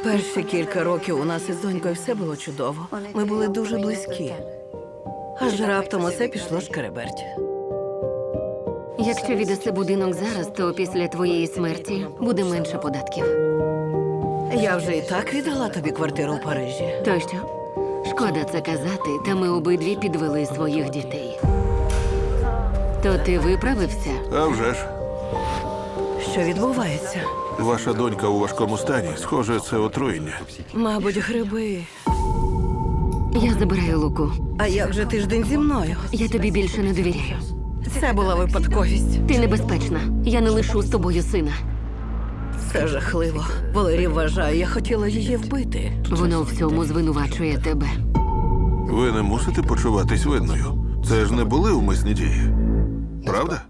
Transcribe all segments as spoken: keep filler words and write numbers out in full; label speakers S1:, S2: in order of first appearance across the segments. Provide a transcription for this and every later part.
S1: Перші кілька років у нас із донькою все було чудово. Ми були дуже близькі. Аж раптом усе пішло шкереберть.
S2: Якщо віддаси будинок зараз, то після твоєї смерті буде менше податків.
S1: Я вже і так віддала тобі квартиру в Парижі.
S2: То що? Шкода це казати, та ми обидві підвели своїх дітей. То ти виправився?
S3: А вже ж.
S1: Що відбувається?
S3: Ваша донька у важкому стані. Схоже, це отруєння.
S1: Мабуть, гриби.
S2: Я забираю Луку.
S1: А як же тиждень зі мною?
S2: Я тобі більше не довіряю.
S1: Це була випадковість.
S2: Ти небезпечна. Я не лишу з тобою сина.
S1: Це жахливо. Валерій вважає, я хотіла її вбити.
S2: Воно в цьому звинувачує тебе.
S3: Ви не мусите почуватись винною. Це ж не були умисні дії. Правда?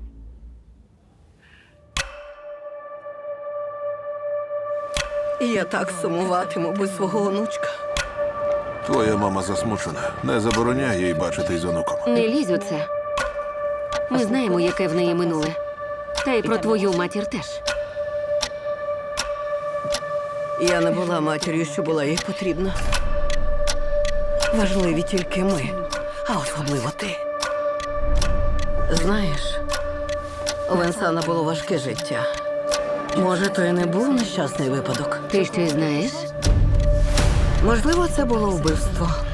S1: Я так сумуватиму без свого онучка.
S3: Твоя мама засмучена. Не забороняй їй бачитись з онуком.
S2: Не лізь у це. Ми знаємо, яке в неї минуле. Та й про твою матір теж.
S1: Я не була матір'ю, що була їй потрібна. Важливі тільки ми, а особливо ти. Знаєш, у Венсана було важке життя. Може, то і не був нещасний випадок.
S2: Ти щось знаєш?
S1: Можливо, це було вбивство.